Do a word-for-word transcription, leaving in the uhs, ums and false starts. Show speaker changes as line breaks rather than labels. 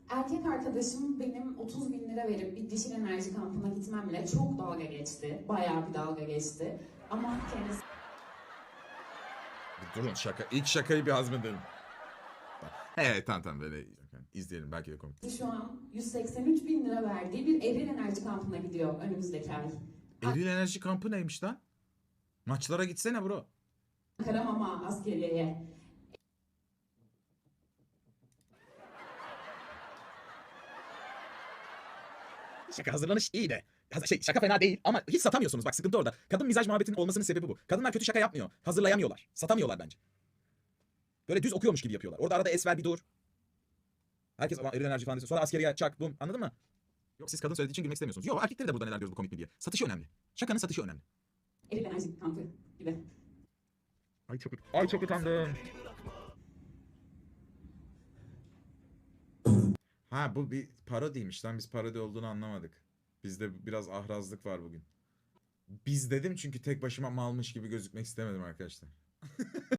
Erkek arkadaşım benim otuz bin lira verip bir dişil enerji kampına gitmemle çok dalga geçti. Bayağı bir dalga geçti. Ama kendisi
Durun şaka. İlk şakayı bir hazmedin. Evet tamam tamam böyle izleyelim belki de komik.
şu an yüz seksen üç bin lira verdiği bir eril enerji kampına gidiyor önümüzdeki ay.
Eril enerji kampı neymiş lan? Maçlara gitsene bro.
Ankara Mama askeriyeye.
Şaka hazırlanış iyi de. Haz- Şey, şaka fena değil ama hiç satamıyorsunuz. Bak sıkıntı orada. Kadın mizaj muhabbetinin olmasının sebebi bu. Kadınlar kötü şaka yapmıyor. Hazırlayamıyorlar. Satamıyorlar bence. Böyle düz okuyormuş gibi yapıyorlar. Orada arada es ver bir dur. Herkes eril enerji falan diyor. Sonra askeriye çak bum. Anladın mı? Yok siz kadın söylediği için gülmek istemiyorsunuz. Yok erkekleri de burada neler diyoruz bu komik mi diye. Satışı önemli. Şakanın satışı önemli.
Eril enerji kampı gibi.
Ay çok, ay çok utandım. Ha bu bir parodiymiş lan biz parodi olduğunu anlamadık. Bizde biraz ahrazlık var bugün. Biz dedim çünkü tek başıma malmış gibi gözükmek istemedim arkadaşlar.